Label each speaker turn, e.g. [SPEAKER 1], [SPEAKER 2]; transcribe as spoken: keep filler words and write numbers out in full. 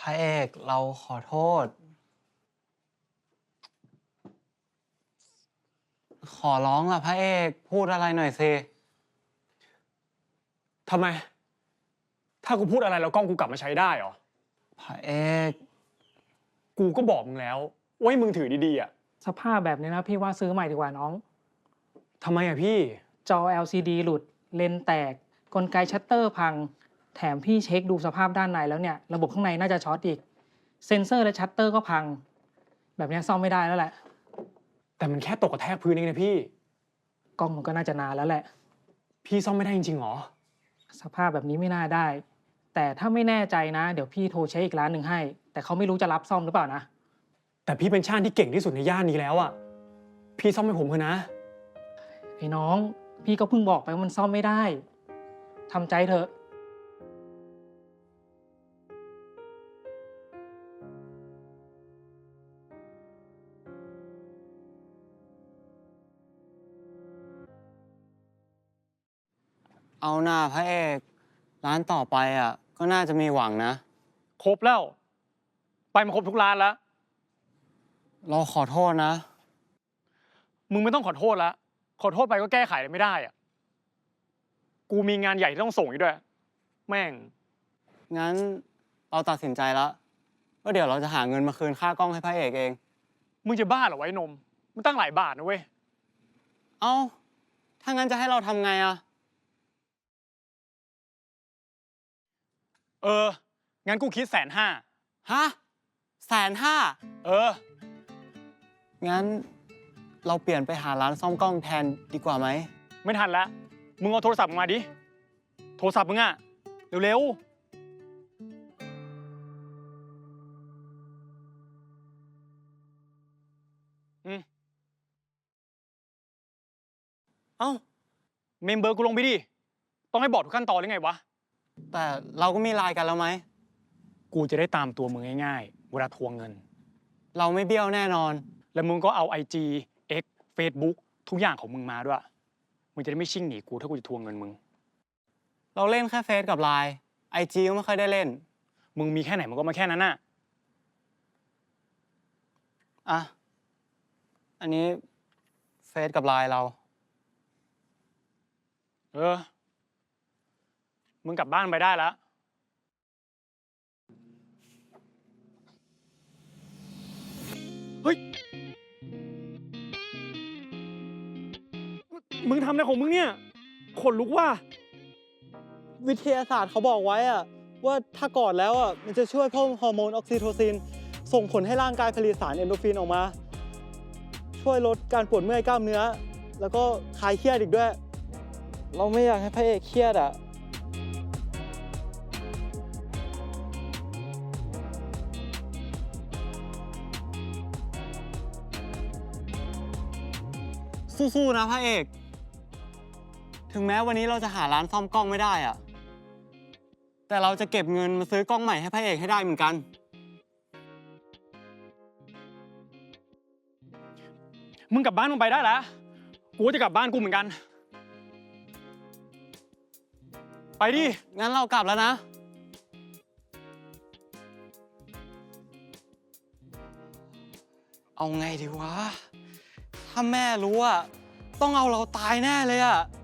[SPEAKER 1] ระเอกเราขอโทษ ขอร้องล่ะพระเอกพูดอะไรหน่อยสิ
[SPEAKER 2] ทำไม ถ้ากูพูดอะไรแล้วกล้องกูกลับมาใช้ได้เหรอ
[SPEAKER 1] พระเอก
[SPEAKER 2] กูก็บอกมึงแล้วว่าให้มึงถือดีๆอ่ะ
[SPEAKER 3] สภาพแบบนี้นะพี่ว่าซื้อใหม่ดีกว่าน้อง
[SPEAKER 2] ทำไมอ่ะพี่
[SPEAKER 3] จอ แอล ซี ดี หลุดเลนส์แตกกลไกชัตเตอร์พังแถมพี่เช็คดูสภาพด้านในแล้วเนี่ยระบบข้างในน่าจะช็อตอีกเซ็นเซอร์และชัตเตอร์ก็พังแบบนี้ซ่อมไม่ได้แล้วแหละ
[SPEAKER 2] แต่มันแค่ตกกระแทกพื้นเองนะพี่
[SPEAKER 3] กล้องมันก็น่าจะนานแล้วแหละ
[SPEAKER 2] พี่ซ่อมไม่ได้จริงๆหรอ
[SPEAKER 3] สภาพแบบนี้ไม่น่าได้แต่ถ้าไม่แน่ใจนะเดี๋ยวพี่โทรเช็คอีกร้านหนึ่งให้แต่เขาไม่รู้จะรับซ่อมหรือเปล่านะ
[SPEAKER 2] แต่พี่เป็นช่างที่เก่งที่สุดในย่านนี้แล้วอ่ะพี่ซ่อมให้ผมเถอะนะ
[SPEAKER 3] ไอ้น้องพี่ก็เพิ่งบอกไปว่ามันซ่อมไม่ได้ทำใจเถอะ
[SPEAKER 1] เอาหน้าพระเอกร้านต่อไปอ่ะก็น่าจะมีหวังนะ
[SPEAKER 2] ครบแล้วไปมาครบทุกร้านแล้ว
[SPEAKER 1] เราขอโทษนะ
[SPEAKER 2] มึงไม่ต้องขอโทษแล้วขอโทษไปก็แก้ไขอะไรไม่ได้อ่ะกูมีงานใหญ่ที่ต้องส่งอีกด้วยแม่ง
[SPEAKER 1] งั้นเราตัดสินใจแล้วว่าเดี๋ยวเราจะหาเงินมาคืนค่ากล้องให้พระเอกเอง
[SPEAKER 2] มึงจะบ้าเหรอไว้นมมันตั้งหลายบาทนะเว้ย
[SPEAKER 1] เอ้าถ้างั้นจะให้เราทำไงอะ
[SPEAKER 2] เอองั้นกูคิดแสนห้า
[SPEAKER 1] ฮะแสนห้า
[SPEAKER 2] เออ
[SPEAKER 1] งั้นเราเปลี่ยนไปหาร้านซ่อมกล้องแทนดีกว่าไหม
[SPEAKER 2] ไม่ทันแล้วมึงเอาโทรศัพท์มาดิโทรศัพท์มึงอะเร็วๆอืมเอ้าเมมเบอร์กูลงไปดิต้องให้บอกทุกขั้นตอนหรือไงวะ
[SPEAKER 1] แต่เราก็มีไลน์กันแล้วไหม
[SPEAKER 2] กูจะได้ตามตัวมึงง่ายๆเวลาทวงเงิน
[SPEAKER 1] เราไม่เบี้ยวแน่นอน
[SPEAKER 2] แล้วมึงก็เอา ไอ จี X Facebook ทุกอย่างของมึงมาด้วยมึงจะได้ไม่ชิ่งหนีกูถ้ากูจะทวงเงินมึง
[SPEAKER 1] เราเล่นแค่เฟซกับไลน์ไอจีก็ไม่ค่อยได้เล่น
[SPEAKER 2] มึงมีแค่ไหนมึงก็มาแค่นั้นน่ะ
[SPEAKER 1] อ่ะอันนี้เฟซกับไลน์เรา
[SPEAKER 2] เออมึงกลับบ้านไปได้แล้วเฮ้ยมึงทำอะไรของมึงเนี่ยขนลุกว่ะ
[SPEAKER 4] วิทยาศาสตร์เขาบอกไว้อะว่าถ้ากอดแล้วอะมันจะช่วยเพิ่มฮอร์โมนออกซิโทซินส่งผลให้ร่างกายผลิตสารเอนโดรฟินออกมาช่วยลดการปวดเมื่อยกล้ามเนื้อแล้วก็คลายเครียดอีกด้วยเราไม่อยากให้พระเอกเครียดอะ
[SPEAKER 1] สู้ๆนะพระเอกถึงแม้วันนี้เราจะหาร้านซ่อมกล้องไม่ได้อะแต่เราจะเก็บเงินมาซื้อกล้องใหม่ให้พระเอกให้ได้เหมือนกัน
[SPEAKER 2] มึงกลับบ้านมึงไปได้แล้วกูจะกลับบ้านกูเหมือนกันไปดิ
[SPEAKER 1] งั้นเรากลับแล้วนะเอาไงดีวะถ้าแม่รู้อะต้องเอาเราตายแน่เลยอะ